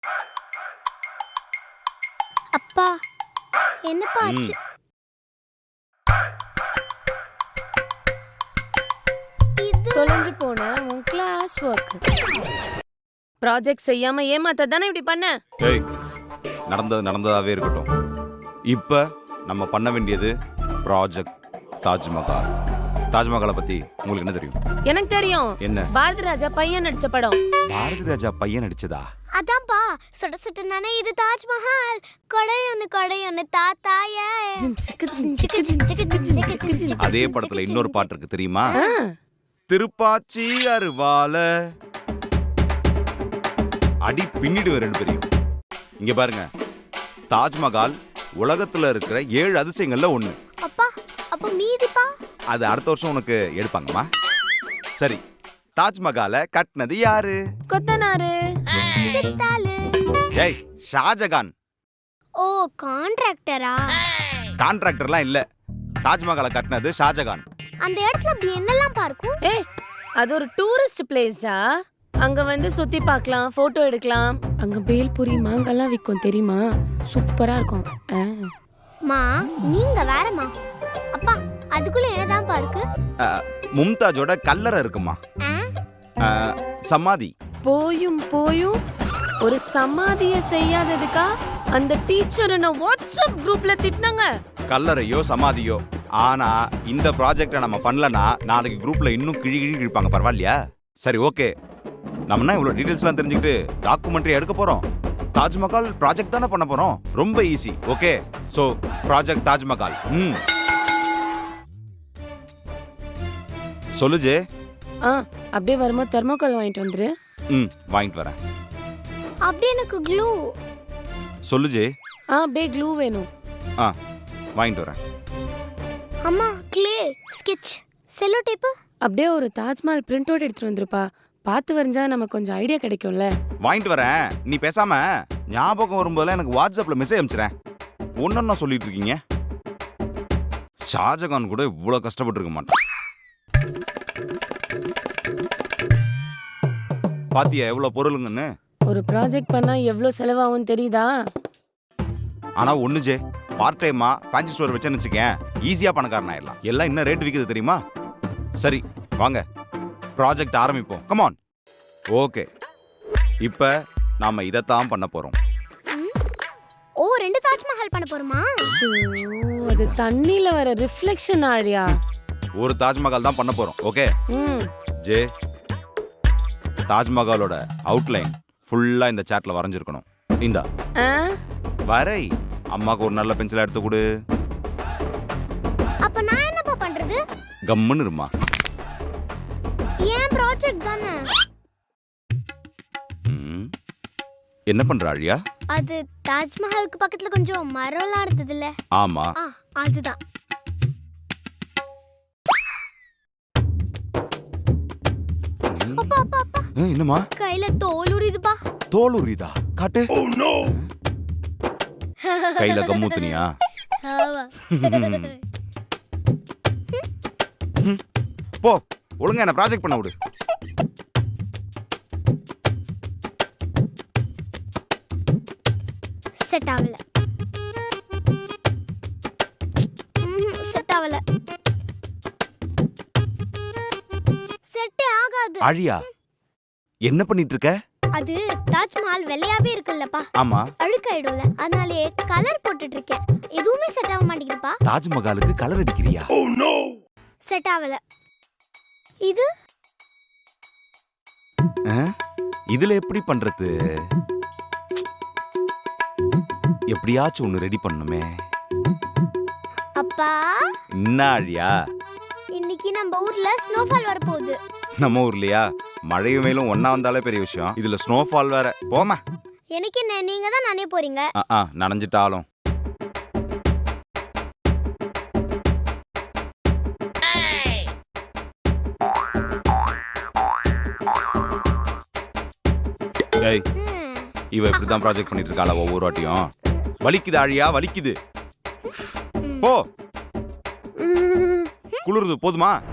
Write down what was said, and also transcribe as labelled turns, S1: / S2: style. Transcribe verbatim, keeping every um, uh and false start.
S1: அப்பா என்னப்பா ஆச்சு?
S2: தொலைஞ்சு போன உன் கிளாஸ் ஒர்க் ப்ராஜெக்ட் செய்யாம ஏமாத்த தானே இப்படி பண்ண?
S3: ஏய், நடந்தது நடந்ததாவே இருக்கட்டும். இப்ப நம்ம பண்ண வேண்டியது ப்ராஜெக்ட் தாஜ்மஹால். தாஜ்மஹாலை பத்தி உங்களுக்கு என்ன தெரியும்?
S2: எனக்கு தெரியும்.
S3: என்ன?
S2: பாரதி ராஜா பையன் நடிச்ச படம்.
S3: பாரதி ராஜா பையன் நடிச்சதா?
S1: அதான்ப்பா சுட சுட நானே இது தாஜ்மஹால் கொடையொன்னு கொடையொன்னு தாத்தாய.
S3: அதே படத்துல இன்னொரு பாட்டு இருக்கு தெரியுமா? திருப்பாச்சி அருவால அடி பின்னிடு ரெண்டு பேரையும். இங்க பாருங்க, தாஜ்மஹால் உலகத்துல இருக்கிற ஏழு அதிசயங்கள்ல ஒண்ணு.
S1: அப்பா அப்ப மீதிப்பா?
S3: அது அடுத்த வருஷம் உனக்கு எடுப்பாங்கம்மா. சரி, தாஜ்மஹாலை கட்டினது யாரு?
S2: கொத்தனாரு.
S1: சித்தாளு.
S3: ஏய், ஷாஜகான்.
S1: ஓ, கான்ட்ராக்டரா?
S3: கான்ட்ராக்டர்லாம் இல்ல, தாஜ்மஹாலை கட்டினது ஷாஜகான்.
S1: அந்த இடத்துல அப்படி என்னெல்லாம் பார்க்கும்?
S2: ஏய், அது ஒரு டூரிஸ்ட் பிளேஸ்டா. அங்க வந்து சுத்தி பார்க்கலாம், போட்டோ எடுக்கலாம். அங்க பேல்பூரி மாங்காலாம் விற்கும் தெரியுமா? சூப்பரா இருக்கும்.
S1: மா நீங்க வேறமா. அப்பா அதுக்குள்ள என்னதான் பார்க்கு?
S3: மும்தாஜோட கல்லறை இருக்குமா? சமாதி.
S2: போயும் போயும் ஒரு சமாதிய செய்யாததுக்கா அந்த டீச்சர் என்ன வாட்ஸ்அப் குரூப்ல திட்டினாங்க.
S3: கல்லறையோ சமாதியோ, ஆனா இந்த ப்ராஜெக்ட நம்ம பண்ணலனா நாளைக்கு குரூப்ல இன்னும் கிழி கிழி கிழிப்பாங்க. பரவாயில்லையா? சரி, ஓகே. நம்ம இவ்வளவு டீடைல்ஸ்லாம் தெரிஞ்சுக்கிட்டு டாக்குமெண்ட்ரி எடுக்க போறோம். தாஜ்மஹால் ப்ராஜெக்ட் தானே பண்ண போறோம். ரொம்ப easy. Okay, so project Taj Mahal. ம் சொல்லுஜே.
S2: ஆ, அப்படியே வரும்போது தெர்மோகால் வாங்கிட்டு வந்துரு.
S3: ம் வாங்கிட்டு வரேன்.
S1: அப்படியே எனக்கு க்ளூ.
S3: சொல்லுஜே.
S2: ஆ, அப்படியே க்ளூ வேணும்.
S3: ஆ, வாங்கிட்டு வரேன்.
S1: அம்மா க்ளே, ஸ்கெட்ச், செல்லோ டேப்.
S2: அப்படியே ஒரு தாஜ்மஹால் பிரிண்ட் அவுட் எடுத்துட்டு வந்துருப்பா. பார்த்து வரைஞ்சா நமக்கு கொஞ்சம் ஐடியா கிடைக்கும்ல.
S3: வாங்கிட்டு வரேன். நீ பேசாம ஞாபகம் வரும்போதெல்லாம் எனக்கு வாட்ஸ்அப்ல மெசேஜ் அனுப்பிச்சிரேன். ஒன்னொன்னா சொல்லிட்டு இருக்கீங்க. ஷாஜகான் கூட இவ்வளவு கஷ்டப்பட்டு இருக்க மாட்டான். பாத்தியா எவ்வளவு பொருளுங்கன்னு?
S2: ஒரு ப்ராஜெக்ட் பண்ணா எவ்வளவு செலவாகும் தெரியுதா?
S3: ஆனா ஒண்ணு ஜே, பார்ட் டைமா ஃபேன்சி ஸ்டோர் வச்சேன்னு வச்சுக்கேன், ஈஸியா பணக்காரன் ஆயிடலாம். எல்லாம் என்ன ரேட் விக்குது தெரியுமா? சரி வாங்க, ப்ராஜெக்ட் ஆரம்பிப்போம். Come on. ஓகே, இப்ப நாம இதத்தான் பண்ண போறோம்.
S1: ஓ, ரெண்டு தாஜ்மஹால் பண்ண போறோமா?
S2: அது தண்ணில வர ரிஃப்ளெக்ஷன் ஆழியா.
S3: ஒரு தாஜ்மஹால் தான் பண்ண போறோம். ஓகே
S2: ம்
S3: ஜே, தாஜ்மஹாலோட அவுட்லைன் ஃபுல்லா இந்த சாட்ல வரைஞ்சிருக்கணும். இந்தா
S2: ஆ,
S3: வரை. அம்மாக்கு ஒரு நல்ல பென்சில் எடுத்து கொடு.
S1: அப்ப நான் என்னப்பா பண்றது?
S3: கம்முன்னு இருமா.
S1: ஏன் ப்ராஜெக்ட் தானே.
S3: ம், என்ன பண்ற ஆழியா?
S1: அது தாஜ்மஹாலுக்கு பக்கத்துல கொஞ்சம் மரம்லாம் இருந்ததுல.
S3: ஆமா,
S1: ஆ, அதுதான். அப்பா அப்பா அப்பா,
S3: என்னமா
S1: கையில தோல் உரியுதுப்பா.
S3: தோல் உரியுதா? காட்டு. கையில கம்மூத்துனியா?
S1: ஆமா.
S3: போ, ஒழுங்கா என்ன ப்ராஜெக்ட் பண்ண விடு.
S1: செட் ஆகல. செட் ஆகல. செட்டே ஆகாது.
S3: ஆழியா, என்ன பண்ணிட்டு இருக்க?
S1: அது தாஜ்மஹால் வெள்ளையாவே இருக்குல்லப்பா.
S3: ஆமா,
S1: அழுக்காயிடும்ல, அதனாலே கலர் போட்டுட்டு இருக்கேன். எதுவுமே செட் ஆக மாட்டேங்குதுப்பா.
S3: தாஜ்மஹாலுக்கு கலர் அடிக்கிறியா?
S1: செட் ஆகல. இது
S3: இதுல எப்படி பண்றது? எப்படியாச்சும் ஒண்ணு ரெடி பண்ணுமே.
S1: அப்பா,
S3: என்ன ஆழியா?
S1: இன்னைக்கு நம்ம ஊர்ல ஸ்னோஃபால் வர போகுது.
S3: நம்ம ஊர்லயா? மழையும் வெயிலும் ஒன்னா வந்தாலே பெரிய விஷயம், இதுல ஸ்னோஃபால் வேற. போமா.
S1: எனக்கு என்ன, நீங்க தான் நானே போறீங்க.
S3: ஆ, நனைஞ்சிட்டாலும். ஏய், இவ இப்படிதான் ப்ராஜெக்ட் பண்ணிட்டு இருக்காளா ஒவ்வொரு வாட்டியும்? வலிக்குது ஆழியா, வலிக்குது. போ, குளிருது. போதுமா?